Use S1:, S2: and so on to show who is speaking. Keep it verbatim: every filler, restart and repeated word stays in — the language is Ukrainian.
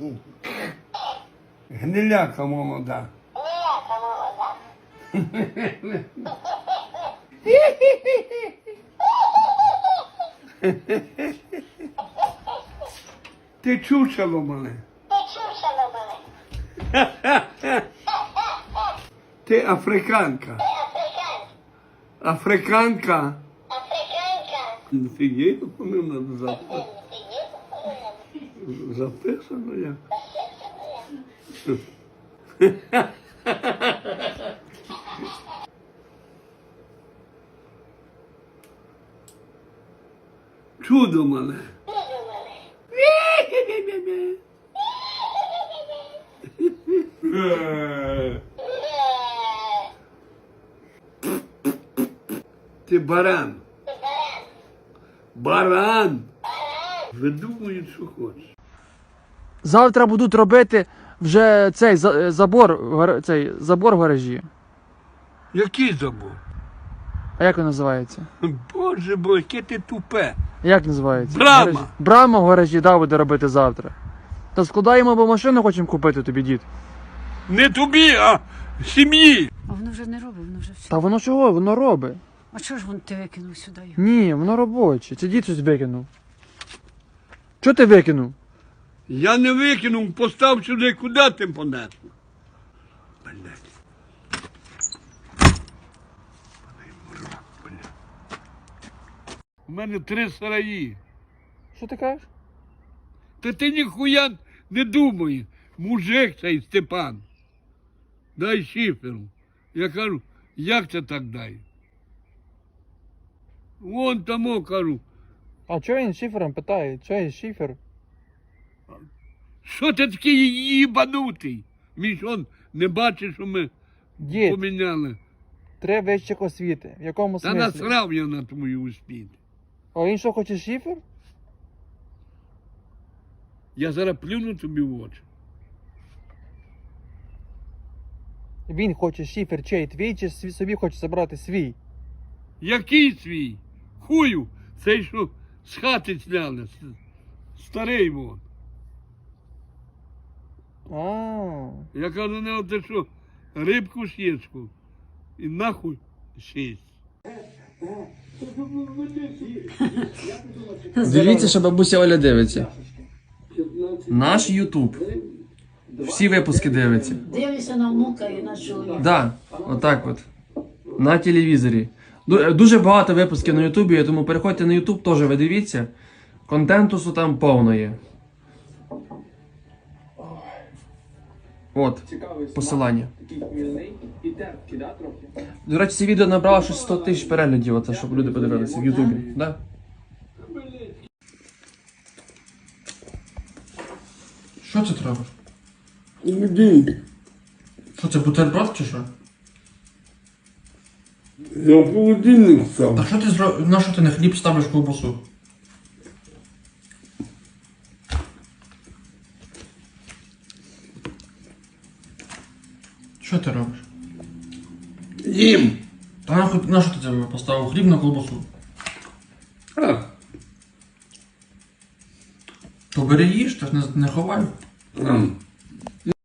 S1: Гниляка молода.
S2: Гниляка молода.
S1: Ти чучело мене.
S2: Ти чучело мене.
S1: Ти африканка.
S2: Ти африканка.
S1: Африканка.
S2: Африканка.
S1: Фігей, вони надо записати.
S2: Ти є популярна.
S1: Записано як. Чудо мене.
S2: Чудо мене.
S1: Ти баран.
S2: Ти баран.
S1: Баран. Видумують, що хочеш.
S3: Завтра будуть робити вже цей за- забор, в гар- цей забор в гаражі.
S1: Який забор?
S3: А як він називається?
S1: Боже бо, яке ти тупе.
S3: Як називається?
S1: Брама.
S3: В гаражі. Брама в гаражі, да, буде робити завтра. Та складаємо, бо машину хочемо купити тобі, дід.
S1: Не тобі, а сім'ї.
S4: А воно вже не робить, воно вже все.
S3: Та воно чого? Воно робить.
S4: А чого ж вон ти викинув сюди його?
S3: Ні, воно робоче. Це дід щось викинув. Чого ти викинув?
S1: Я не викинув, постав сюди, куди ти понесло? Блять. У мене три сараї.
S3: Що ти кажеш?
S1: Та ти ніхуя не думає. Мужик цей Степан. Дай шиферу. Я кажу, як це так дай? Вон тому кажу,
S3: А чого він шифером питає? Чого він шифер?
S1: що ти такий їбанутий? Він ж он не бачить, що ми
S3: Дід,
S1: поміняли.
S3: три вищих освіти. В якому
S1: Та
S3: смислі?
S1: насрав я на твою успіхи.
S3: А він що, хоче шифер?
S1: Я зараз плюну тобі в очі.
S3: Він хоче шифер чей твій, чи сві- собі хоче забрати свій?
S1: Який свій? Хую, цей, що з хати сняли. с- Старий вон.
S3: А,
S1: Я кажу, не ти що, рибку щечку. І нахуй шість.
S5: Дивіться, що бабуся Оля дивиться. Наш Ютуб. Всі випуски дивиться.
S4: Дивишся на внука і на чоловіка.
S5: Да, отак от. На телевізорі. Ду- Дуже багато випусків на Ютубі, тому переходьте на Ютуб, теж ви дивіться. Контентусу там повно є. От, посилання. До речі, це відео набрало щось сто тисяч переглядів, оце, щоб люди подивилися в Ютубі. Да? Що це треба?
S1: Іди.
S5: Що це, бутерброд чи що?
S1: Я в холодильник став.
S5: А що ти зро... На що ти на хліб ставиш ковбасу? Що ти робиш?
S1: Їм.
S5: Та нахуй, на що ти це поставив хліб на ковбасу?
S1: А,
S5: То бери їж, та ж не, не ховай.
S1: ам.